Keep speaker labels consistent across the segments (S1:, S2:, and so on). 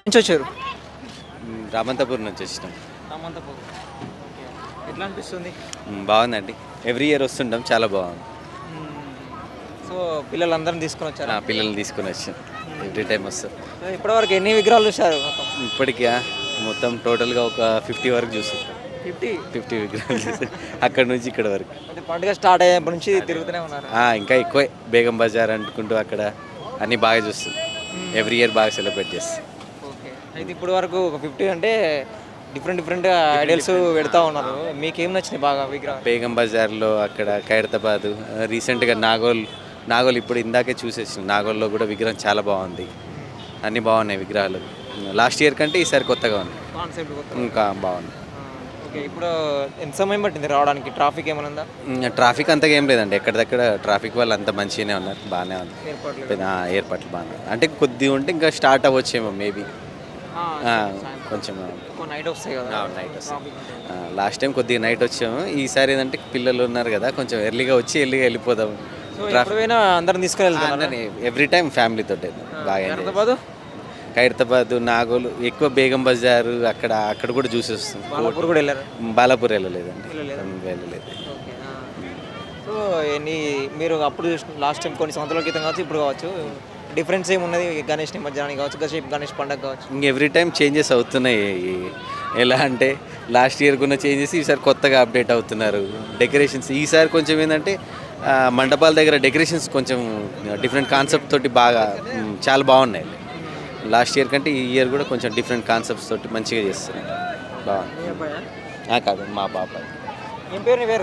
S1: నుంచి వచ్చారు?
S2: రామంతపూర్ నుంచి వచ్చినాం.
S1: రామంతపూర్. ఎట్లా అనిపిస్తుంది?
S2: బాగుందండి. ఎవ్రీ ఇయర్ వస్తుంటాం, చాలా బాగుంది.
S1: సో పిల్లలందరిని తీసుకొని వచ్చారు.
S2: పిల్లల్ని తీసుకుని వచ్చాం, ఎవ్రీ టైం వస్తాం.
S1: ఇప్పటివరకు ఎన్ని విగ్రహాలు చూసారు?
S2: ఇప్పటికీ మొత్తం టోటల్గా ఒక 50 వరకు చూస్తుంటాం. 50 విగ్రహాలు చూస్తాం అక్కడ నుంచి ఇక్కడ వరకు.
S1: అంటే పండుగ స్టార్ట్ అయ్యేప్పటి నుంచి తిరుగుతూనే ఉన్నారు.
S2: ఇంకా ఎక్కువే బేగం బజార్ అంటుకుంటూ అక్కడ అన్నీ బాగా చూస్తాం. ఎవ్రీ ఇయర్ బాగా సెలబ్రేట్ చేస్తాం.
S1: ఓకే. అయితే ఇప్పుడు వరకు ఒక 50 అంటే డిఫరెంట్ ఐడియల్స్ పెడతా ఉన్నారు. మీకేం నచ్చినాయి బాగా విగ్రహం?
S2: బేగం బజార్లో, అక్కడ ఖైరతాబాద్, రీసెంట్గా నాగోల్ ఇప్పుడు ఇందాకే చూసేసిన. నాగోల్లో కూడా విగ్రహం చాలా బాగుంది. అన్నీ బాగున్నాయి విగ్రహాలు. లాస్ట్ ఇయర్ కంటే ఈసారి కొత్తగా ఉంది,
S1: కాన్సెప్ట్
S2: ఇంకా బాగుంది.
S1: ఓకే. ఇప్పుడు ఎంత సమయం పట్టింది రావడానికి? ట్రాఫిక్ ఏమైనా ఉందా?
S2: ట్రాఫిక్ అంతగా ఏం లేదండి, ఎక్కడిదక్కడ ట్రాఫిక్ వాళ్ళు అంతా మంచిగానే ఉన్నారు, బాగానే ఉంది. ఏర్పాట్లు బాగానే అంటే కొద్దిగా ఉంటే ఇంకా స్టార్ట్ అవ్వచ్చేమో మేబీ, కొంచెం
S1: నైట్ వస్తాయి కదా.
S2: నైట్ వస్తాయి. లాస్ట్ టైం కొద్దిగా నైట్ వచ్చాము, ఈసారి ఏంటంటే పిల్లలు ఉన్నారు కదా, కొంచెం ఎర్లీగా వచ్చి ఎర్లీగా వెళ్ళిపోదాం.
S1: ట్రాఫిక్ అందరిని తీసుకెళ్తాను
S2: ఎవ్రీ టైం ఫ్యామిలీతో బాగా. ఖైరతాబాద్, నాగోల్, ఎక్కువ బేగం బజారు, అక్కడ కూడా చూసి వస్తాం. బాలాపూర్ వెళ్ళలేదండి, వెళ్ళలేదు.
S1: సో మీరు అప్పుడు లాస్ట్ టైం కొన్ని సంవత్సరాల క్రితం కావచ్చు, ఇప్పుడు కావచ్చు, డిఫరెన్స్ ఏమున్నది? గణేష్ నిమజ్జనానికి కావచ్చు, గణేష్ పండుగ కావచ్చు,
S2: ఇంక ఎవ్రీ టైం చేంజెస్ అవుతున్నాయి. ఎలా అంటే లాస్ట్ ఇయర్ ఉన్న చేంజెస్ ఈసారి కొత్తగా అప్డేట్ అవుతున్నారు. డెకరేషన్స్ ఈసారి కొంచెం ఏంటంటే మండపాల దగ్గర డెకరేషన్స్ కొంచెం డిఫరెంట్ కాన్సెప్ట్ తోటి బాగా చాలా బాగున్నాయి. లాస్ట్ ఇయర్ కంటే ఈ ఇయర్ కూడా కొంచెం డిఫరెంట్ కాన్సెప్ట్స్ తోటి మంచిగా చేస్తున్నారు, బాగుంది. కాదు, మా పాప.
S1: ఏం పేరు? నీ పేరు?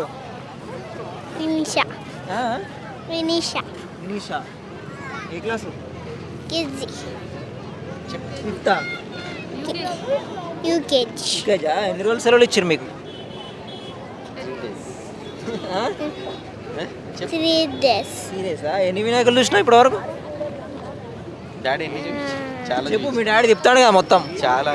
S3: వినీషా.
S1: ఏ క్లాసు?
S3: కిడ్జీ.
S1: ఫిఫ్తా?
S3: యూకేజీ.
S1: ఎన్ని రోజులు సెలవులు ఇచ్చారు మీకు?
S3: 3 days.
S1: సీరియసా? ఎన్ని వినాయకులు చూసినా ఇప్పటి వరకు?
S2: డాడీ చాలా
S1: చెప్పు, మీ డాడీ చెప్తాడు కదా మొత్తం.
S3: చాలా.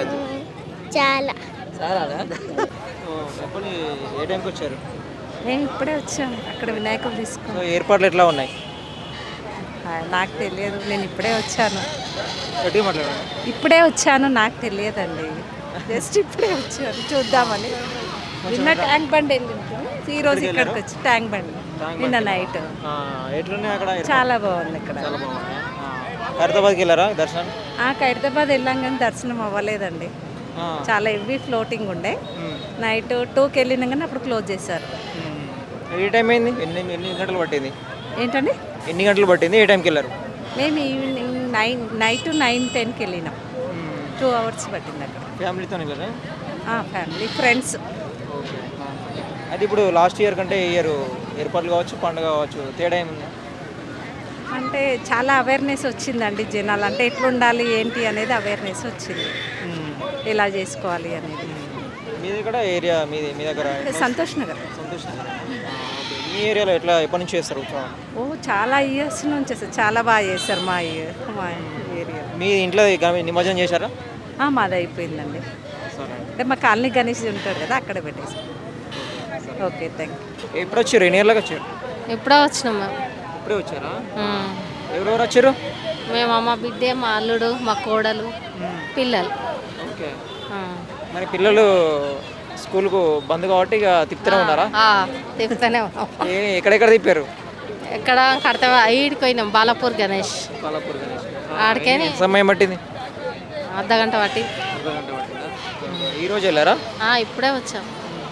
S1: చెప్పండి, ఏ టైంకి వచ్చారు?
S4: నేను ఇప్పుడే వచ్చాను, అక్కడ వినాయకులు తీసుకుని.
S1: సో ఏర్పాట్లు ఎట్లా ఉన్నాయి?
S4: నాకు తెలియదు, నేను ఇప్పుడే వచ్చాను.
S1: గట్టిగా మాట్లాడండి.
S4: ఇప్పుడే వచ్చాను, నాకు తెలియదండి. జస్ట్ ఇప్పుడే వచ్చాను చూద్దామని. నిన్న ట్యాంక్ బండ్ వెళ్ళింది, ఈరోజు ఇక్కడికి వచ్చి ట్యాంక్ బండ్ నిన్న నైట్.
S1: ఎట్లున్నాయి అక్కడ?
S4: చాలా బాగుంది ఇక్కడ.
S1: ఖైరతాబాద్కి వెళ్ళారా దర్శనం?
S4: ఖైరతాబాద్ వెళ్ళాం కానీ దర్శనం అవ్వలేదండి. చాలా హెవీ ఫ్లోటింగ్ ఉండే. నైట్ 2కి వెళ్ళినాం కానీ అప్పుడు క్లోజ్ చేశారు.
S1: ఏ టైం అయింది? ఎన్ని గంటలు పట్టింది?
S4: ఏంటండి?
S1: ఎన్ని గంటలు పట్టింది? ఏ టైంకి వెళ్ళారు?
S4: మేము ఈవినింగ్ నైట్ 9-10కి వెళ్ళినాం. 2 hours పట్టింది అక్కడ.
S1: ఫ్యామిలీతో వెళ్ళారా?
S4: Family, friends.
S1: అది ఇప్పుడు లాస్ట్ ఇయర్ కంటే ఈ ఇయర్ ఏర్పాట్లు కావచ్చు, పండుగ కావచ్చు, తేడా ఏముంది?
S4: అంటే చాలా అవేర్నెస్ వచ్చిందండి జనాలు, అంటే ఎట్లా ఉండాలి ఏంటి అనేది అవేర్నెస్ వచ్చింది, ఎలా చేసుకోవాలి అనేది.
S1: మీ దగ్గర ఏరియా మీ దగ్గర
S4: సంతోష్ నగర్.
S1: మీ ఏరియాలో ఎప్పటి నుంచి చేస్తారు?
S4: చాలా ఇయర్స్ నుంచి చాలా బాగా చేస్తారు మా ఏరియా.
S1: మీ ఇంట్లో నిమజ్జనం చేశారా?
S4: మాది అయిపోయిందండి. అంటే మా కాలనీ గణేష్ ఉంటాడు కదా, అక్కడ పెట్టేసి. Okay, thank you.
S1: ఎప్పుడు వచ్చారు? ఎన్ని ఇయర్లకు వచ్చారు?
S5: ఎప్పుడో వచ్చినాం మేము.
S1: ఇప్పుడే వచ్చారా? ఎవరెవరు వచ్చారు?
S5: మేము, మా బిడ్డే, మా అల్లుడు, మా కోడలు, పిల్లలు.
S1: ఓకే. మరి పిల్లలు స్కూల్కు బంద్ కాబట్టి ఇక తిప్పుతూనే ఉన్నారా?
S5: తిప్పుతూనే ఉన్నాం.
S1: ఎక్కడెక్కడ తిప్పారు?
S5: ఎక్కడ కడతా ఈడికి పోయినాం, బాలాపూర్ గణేష్. ఆడికేని
S1: సమయం పట్టింది?
S5: అర్ధగంట పట్టి.
S1: ఈరోజు వెళ్ళారా?
S5: ఇప్పుడే వచ్చాం.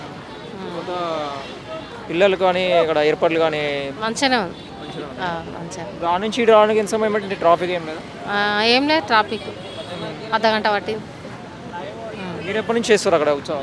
S1: పిల్లలు కానీ ఇక్కడ ఏర్పాట్లు కానీ
S5: మంచిగానే ఉంది. మంచిగా
S1: దాని నుంచి ఇటు రావడానికి ఎంత సమయం పట్టింది? ట్రాఫిక్ ఏం లేదా?
S5: ఏం లేదు, ట్రాఫిక్ అర్ధగంట పట్టింది.
S1: మీరు ఎప్పటి నుంచి చేస్తారు అక్కడ ఉత్సవం?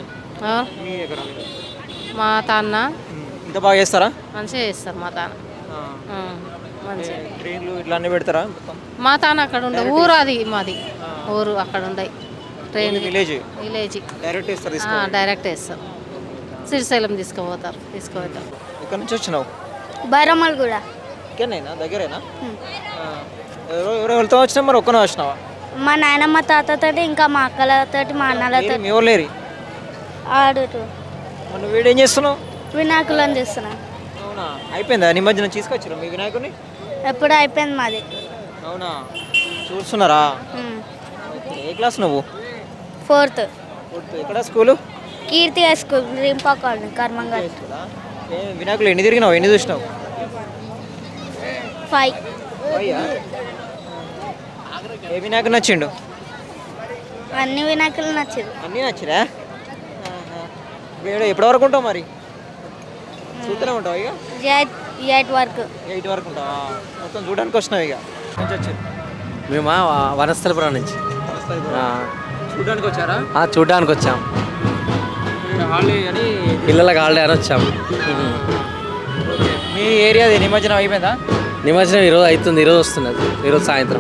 S5: మా తాన్న
S1: ఇంత బాగా చేస్తారా?
S5: మంచిగా చేస్తారు మా తాన్న. మంచిగా
S1: ట్రైన్లు ఇట్లా అన్నీ పెడతారా?
S5: మా తాన్న అక్కడ ఉండే ఊరు, అది మాది ఊరు, అక్కడ ఉండే ట్రైన్.
S1: విలేజ్
S5: డైరెక్ట్ వేస్తారు. శ్రీశైలం తీసుకుపోతారు.
S1: ఇక్కడ నుంచి వచ్చినావు?
S3: బైరమల్ కూడా.
S1: ఇక్కడనేనా, దగ్గరేనా? ఎవరెవరితో వచ్చినా? మరి ఒక్కనే వచ్చినావా?
S3: మా నాయనమ్మ తాతతో, ఇంకా మా అక్కలతో, మా అన్నలతో.
S1: మీ ఊరు లేరు?
S3: ఆడుతూ.
S1: నువ్వు వీడేం చేస్తున్నావు?
S3: వినాయకులను చేస్తున్నా.
S1: అవునా? అయిపోయిందా నిమజ్జనం? తీసుకొచ్చారు మీ వినాయకుడిని?
S3: ఎప్పుడు అయిపోయింది మాది.
S1: అవునా? చూస్తున్నారా? ఏ క్లాస్ నువ్వు?
S3: 4th.
S1: ఎక్కడ స్కూలు?
S3: కీర్తి హై స్కూల్, రింపా కాలనీ, కర్మంగల్.
S1: వినాయకులు ఎన్ని తిరిగినావు, ఎన్ని చూసినావు?
S3: 5.
S1: అయ్యా, ఏ వినాయకుడు నచ్చిండు?
S3: అన్ని వినాయకులు నచ్చింది.
S1: అన్నీ నచ్చిరా? ఎప్పటి వరకు ఉంటావు మరి? చూస్తూనే ఉంటావు ఇక?
S3: 8 వరకు.
S1: 8 వరకు ఉంటావా? మొత్తం చూడడానికి వచ్చినావు ఇక? నుంచి వచ్చారు
S6: మేము వనస్థలపురం నుంచి
S1: చూడడానికి వచ్చారా?
S6: చూడడానికి వచ్చాం.
S1: హాలిడే అని
S6: పిల్లలకు హాలిడే అని వచ్చాం.
S1: మీ ఏరియా నిమజ్జనం అయిపోయిందా?
S6: నిమజ్జనం ఈరోజు అవుతుంది, ఈరోజు వస్తున్నది, ఈరోజు సాయంత్రం.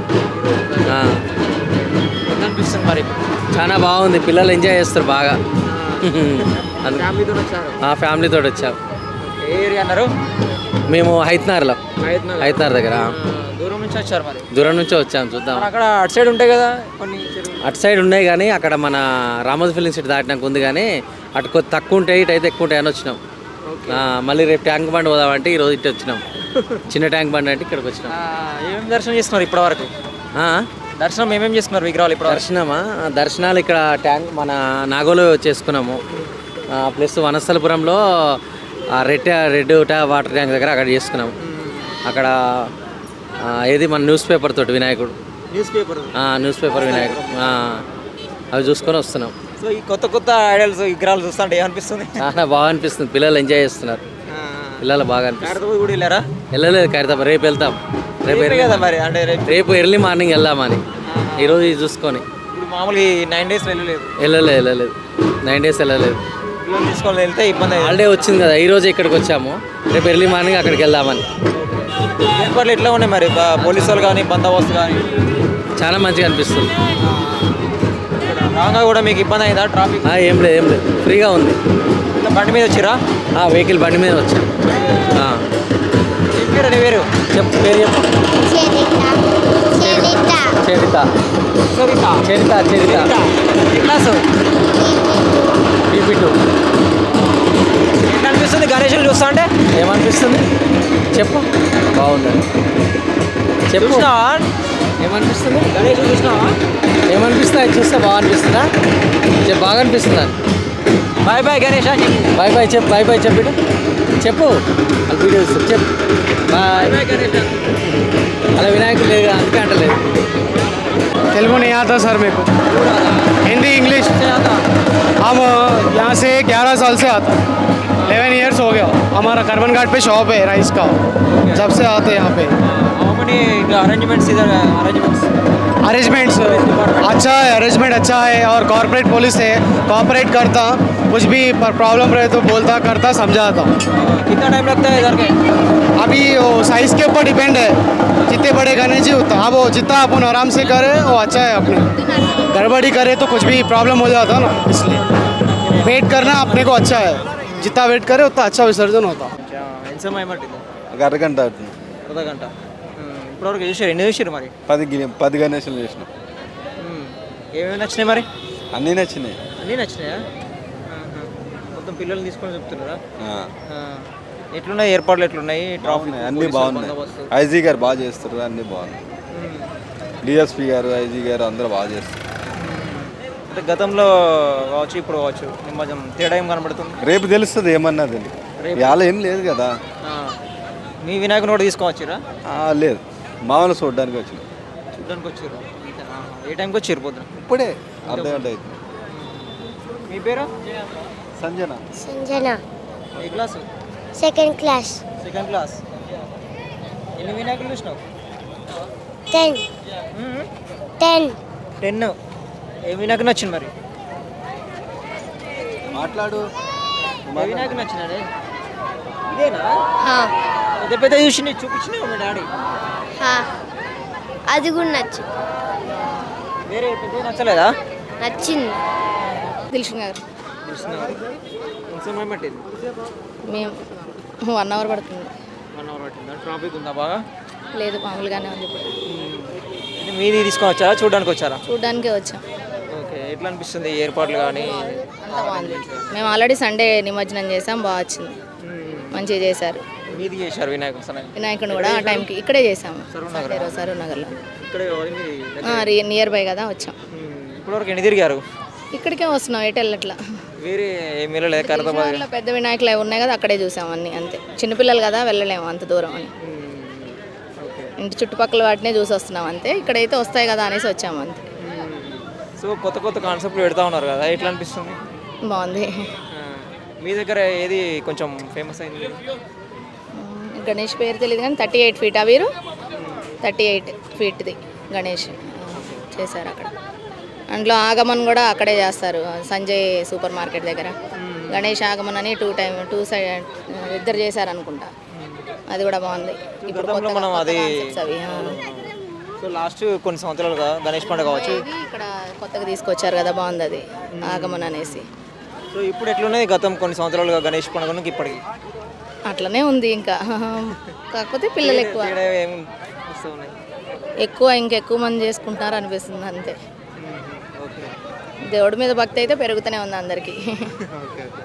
S1: ఎంత అనిపిస్తుంది మరి?
S6: చాలా బాగుంది, పిల్లలు ఎంజాయ్ చేస్తారు బాగా.
S1: ఫ్యామిలీతో వచ్చారు?
S6: ఫ్యామిలీతో వచ్చాం.
S1: ఏ ఏరియా అన్నారు?
S6: మేము హైత్నార్లో, హైత్నార్ దగ్గర.
S1: దూరం నుంచి వచ్చారు మరి?
S6: దూరం నుంచే వచ్చాం. చూద్దాం.
S1: అక్కడ అటు సైడ్ ఉంటాయి కదా కొన్ని చెరువులు.
S6: అటు సైడ్ ఉన్నాయి కానీ అక్కడ మన రామోజీ ఫిలిం సిటీ దాటినాక ఉంది కానీ అటు కొద్ది తక్కువ ఉంటాయి, ఇటు అయితే ఎక్కువ ఉంటాయి అని వచ్చినాం. మళ్ళీ రేపు ట్యాంక్ బండ్ పోదామంటే ఈరోజు ఇటు వచ్చినాం. చిన్న ట్యాంక్ బండ్ అంటే ఇక్కడికి వచ్చినాం.
S1: ఏమేమి దర్శనం చేస్తున్నారు ఇప్పటి వరకు? దర్శనం ఏమేమి చేస్తున్నారు విగ్రహాలు ఇప్పుడు?
S6: దర్శనమా? దర్శనాలు ఇక్కడ ట్యాంక్ మన నాగోలో చేసుకున్నాము. ప్లస్ వనస్థలపురంలో రెడ్ వాటర్ ట్యాంక్ దగ్గర అక్కడ చేసుకున్నాము. అక్కడ ఏది మన న్యూస్ పేపర్ తోటి వినాయకుడు, న్యూస్ పేపర్ వినాయకుడు, అవి చూసుకొని వస్తున్నాం.
S1: సో ఈ కొత్త కొత్త ఐడల్స్ విగ్రహాలు చూస్తుంటే ఏమనిపిస్తుంది?
S6: చాలా బాగా అనిపిస్తుంది, పిల్లలు ఎంజాయ్ చేస్తున్నారు. పిల్లలు బాగా అనిపిస్తుంది.
S1: కూడా వెళ్ళారా?
S6: వెళ్ళలేదు ఖైరతాబాద్, రేపు వెళ్తాం.
S1: కదా మరి, అంటే
S6: రేపు ఎర్లీ మార్నింగ్ వెళ్దామని ఈరోజు ఇది చూసుకొని.
S1: ఇప్పుడు మామూలుగా 9 days వెళ్ళలేదు?
S6: వెళ్ళలేదు 9 days వెళ్ళలేదు.
S1: పిల్లలు తీసుకొని వెళ్తే ఇబ్బంది.
S6: హాలిడే వచ్చింది కదా, ఈరోజు ఇక్కడికి వచ్చాము, రేపు ఎర్లీ మార్నింగ్ అక్కడికి వెళ్దామని.
S1: ఏర్పాట్లు ఎట్లా ఉన్నాయి మరి? పోలీసు వాళ్ళు కానీ బందోబస్తు కానీ?
S6: చాలా మంచిగా అనిపిస్తుంది.
S1: రాగా కూడా మీకు ఇబ్బంది అయిందా ట్రాఫిక్?
S6: ఏం లేదు ఫ్రీగా ఉంది.
S1: బండి మీద వచ్చిరా?
S6: వెహికల్ బండి మీద వచ్చాం.
S1: నీ పేరు
S6: చెప్పు, పేరు చెప్పు. చరిత.
S1: Class
S6: BP2.
S1: ఎట్లా అనిపిస్తుంది గణేషులు చూస్తా అంటే?
S6: ఏమనిపిస్తుంది చెప్పు. బాగుందండి. చెప్పు.
S1: చూసినావా?
S6: ఏమనిపిస్తుంది?
S1: గణేషులు చూసినావా?
S6: ఏమనిపిస్తుంది? అది చూస్తే బాగా అనిపిస్తుందా? చెప్పు, బాగా అనిపిస్తుందా?
S1: బాయ్ బాయ్ గణేష్ అని చెప్పు.
S6: బాయ్ చెప్పు. బాయ్ చెప్పు. అది వీడియో ఇస్తారు. చెప్పు బాయ్.
S1: బాయ్ గణేష్.
S6: అలా వినాయకుడు లేదు అందుకే అంటలేదు.
S7: तेलुगु नहीं आता सर मेरे को, हिंदी इंग्लिश। हम यहाँ से 11 साल से आता, 11 years हो गया। हमारा करमन घाट पे शॉप है राइस का, जब से आते यहाँ पे।
S1: अरेंजमेंट्स
S7: अच्छा है, अरेंजमेंट अच्छा है और कॉर्पोरेट पुलिस है, कॉपरेट करता, कुछ भी प्रॉब्लम रहे तो बोलता, करता, समझाता।
S1: कितना टाइम लगता है इधर के?
S7: अभी वो साइज़ के ऊपर डिपेंड है, जितने बड़े गणेश जी उतना। अब वो जितना अपन आराम से करे वो अच्छा है, अपने गड़बड़ी करे तो कुछ भी प्रॉब्लम हो जाता ना, इसलिए वेट करना अपने को अच्छा है। जितना वेट करे उतना अच्छा विसर्जन होता।
S1: ఎంత సమయం పట్టింది?
S8: ఒక అరగంట అవుతుంది.
S1: అర్ధగంట. ఇప్పటివరకు చూసారు? ఎన్ని చూసారు మరి?
S8: 10 గణేషులు చేసినాం.
S1: ఏమేమి నచ్చినాయి మరి?
S8: అన్నీ నచ్చినాయి.
S1: అన్నీ నచ్చినాయా? మొత్తం పిల్లల్ని తీసుకొని చెప్తున్నారా? ఎట్లున్నాయి ఏర్పాట్లు? ఎట్లున్నాయి? ట్రాఫిక్
S8: అన్నీ బాగున్నాయి. ఐజీ గారు బాగా చేస్తారు, అన్నీ బాగున్నాయి. డిఎస్పీ గారు, ఐజీ గారు అందరూ బాగా చేస్తారు.
S1: అంటే గతంలో కావచ్చు, ఇప్పుడు కావచ్చు, నిమజ్జనం తేడా ఏం కనబడుతుంది?
S8: రేపు తెలుస్తుంది ఏమన్నది. ఇవాళ ఏం లేదు కదా.
S1: మీ వినాయకుని కూడా తీసుకొచ్చిరా?
S8: లేదు, మామూలు చూడడానికి వచ్చిన.
S1: చూడడానికి వచ్చారు? ఏ టైంకి వచ్చారు? పొద్దున
S8: ఇప్పుడే అర్ధగంట అవుతుంది.
S1: మీ పేరు?
S8: సంజన.
S1: ఏ క్లాసు?
S3: Second class.
S1: ఎన్ని వినాయకులు చూసినావు? 10. ఏ వినాయకుడు నచ్చింది మరి?
S8: మాట్లాడు.
S1: ఏ వినాయకుడు నచ్చినాడే? ఇదేనా? పెద్ద చూసి చూపించినావు మీ డాడీ?
S3: అది కూడా నచ్చింది.
S1: వేరే పెద్ద నచ్చలేదా?
S3: నచ్చింది.
S5: దిల్షన్ గారు
S1: ఎంత సమయం పట్టింది?
S5: మేము 1 hour పడుతుంది.
S1: 1 hour పట్టిందా? ట్రాఫిక్ ఉందా బాగా?
S5: లేదు, మామూలుగానే ఉంది. ఇప్పుడు
S1: అంటే మీది తీసుకొని వచ్చారా, చూడడానికి వచ్చారా?
S5: చూడడానికే వచ్చాం.
S1: ఓకే, ఎట్లా అనిపిస్తుంది ఏర్పాట్లు కానీ?
S5: అంతా బాగుంది. మేము ఆల్రెడీ సండే నిమజ్జనం చేసాం, బాగా వచ్చింది, మంచిగా చేశారు.
S1: మీది చేశారు
S5: వినాయకుని కూడా ఆ టైంకి ఇక్కడే చేసాము, సరూర్ నగర్లో.
S1: ఇక్కడే
S5: నియర్ బై కదా వచ్చాం.
S1: ఇప్పటివరకు ఎన్ని తిరిగారు?
S5: ఇక్కడికే వస్తున్నాం, ఎటు వెళ్ళట్లా.
S1: వేరే ఏం వెళ్ళలేదు ఖైరతాబాద్?
S5: విజయవాడలో పెద్ద వినాయకులు అవి ఉన్నాయి కదా, అక్కడే చూసాం అన్నీ అంతే. చిన్నపిల్లలు కదా వెళ్ళలేము అంత దూరం అని, ఇంటి చుట్టుపక్కల వాటినే చూసి వస్తున్నాం అంతే. ఇక్కడైతే వస్తాయి కదా అనేసి వచ్చాము అంతే.
S1: సో కొత్త కొత్త కాన్సెప్ట్లు పెడతా ఉన్నారు కదా, ఎట్లా అనిపిస్తుంది?
S5: బాగుంది.
S1: మీ దగ్గర ఏది కొంచెం ఫేమస్ అయింది?
S5: గణేష్ పేరు తెలియదు కానీ 38 ఫీట్ వీరు 38 ఫీట్ది గణేష్ చేశారు అక్కడ. అందులో ఆగమన్ కూడా అక్కడే చేస్తారు, సంజయ్ సూపర్ మార్కెట్ దగ్గర. గణేష్ ఆగమన్ అని 2 సైడ్ ఇద్దరు చేశారు అనుకుంటా, అది కూడా బాగుంది. ఇప్పుడు
S1: గతంలో మనం అది
S5: concepts అవి
S1: సో లాస్ట్ కొన్ని సంవత్సరాలుగా గణేష్ పండుగ కావచ్చు
S5: ఇది ఇక్కడ కొత్తగా తీసుకొచ్చారు కదా, బాగుంది అది ఆగమన్ అనేసి.
S1: సో ఇప్పుడు ఎట్లున్నది గతం కొన్ని సంవత్సరాలుగా గణేష్ పండుగకి ఇప్పటికి?
S5: అట్లనే ఉంది ఇంకా, కాకపోతే పిల్లలు ఎక్కువ
S1: తేడా ఏం వస్తూ ఉన్నాయి?
S5: ఇంకెక్కువ మంది చేసుకుంటున్నారు అనిపిస్తుంది అంతే.
S1: ఓకే
S5: దేవుడి మీద భక్తి అయితే పెరుగుతూనే ఉంది అందరికీ.
S1: Okay okay.